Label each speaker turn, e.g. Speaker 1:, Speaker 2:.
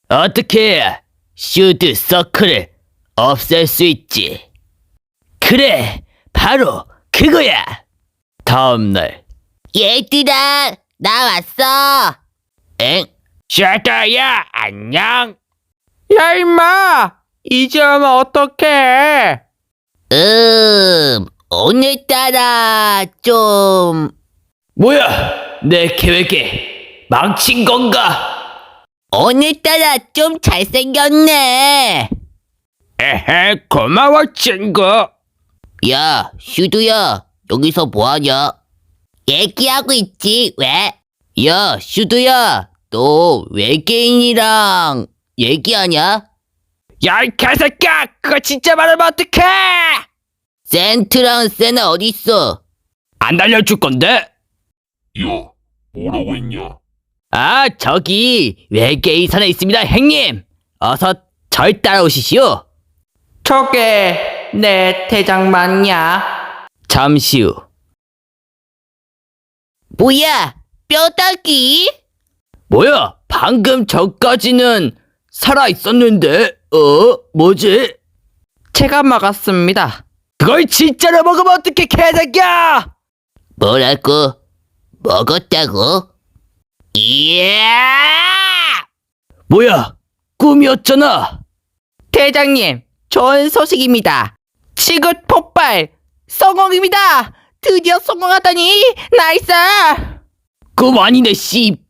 Speaker 1: 어떻게 해야 슈드 서클을 없앨 수 있지? 그래, 바로 그거야. 다음날.
Speaker 2: 얘들아, 나 왔어.
Speaker 1: 엥? 슈드야, 안녕.
Speaker 3: 야, 임마! 이제 오면 어떡해?
Speaker 2: 오늘따라 좀...
Speaker 1: 뭐야? 내 계획에 망친 건가?
Speaker 2: 오늘따라 좀 잘생겼네.
Speaker 1: 에헤, 고마워, 친구.
Speaker 2: 야, 슈두야, 여기서 뭐하냐? 얘기하고 있지, 왜? 야, 슈두야, 너 외계인이랑 얘기하냐?
Speaker 1: 야, 이 개새끼야! 그거 진짜 말하면 어떡해!
Speaker 2: 센트랑 세나 어딨어?
Speaker 1: 안 알려줄 건데?
Speaker 4: 야, 뭐라고 했냐?
Speaker 1: 아, 저기 외계인 산에 있습니다, 형님. 어서 절 따라오시시오.
Speaker 3: 저게 내 대장 맞냐?
Speaker 1: 잠시 후.
Speaker 2: 뭐야, 뼈다귀?
Speaker 1: 뭐야? 방금 전까지는 살아 있었는데, 뭐지?
Speaker 3: 제가 막았습니다.
Speaker 1: 그걸 진짜로 먹으면 어떡해, 개새끼야!
Speaker 2: 뭐라고? 먹었다고? 이야!
Speaker 1: 뭐야? 꿈이었잖아.
Speaker 3: 대장님, 좋은 소식입니다. 지구 폭발 성공입니다. 드디어 성공하다니 나이스.
Speaker 1: 꿈 아니네, 씨.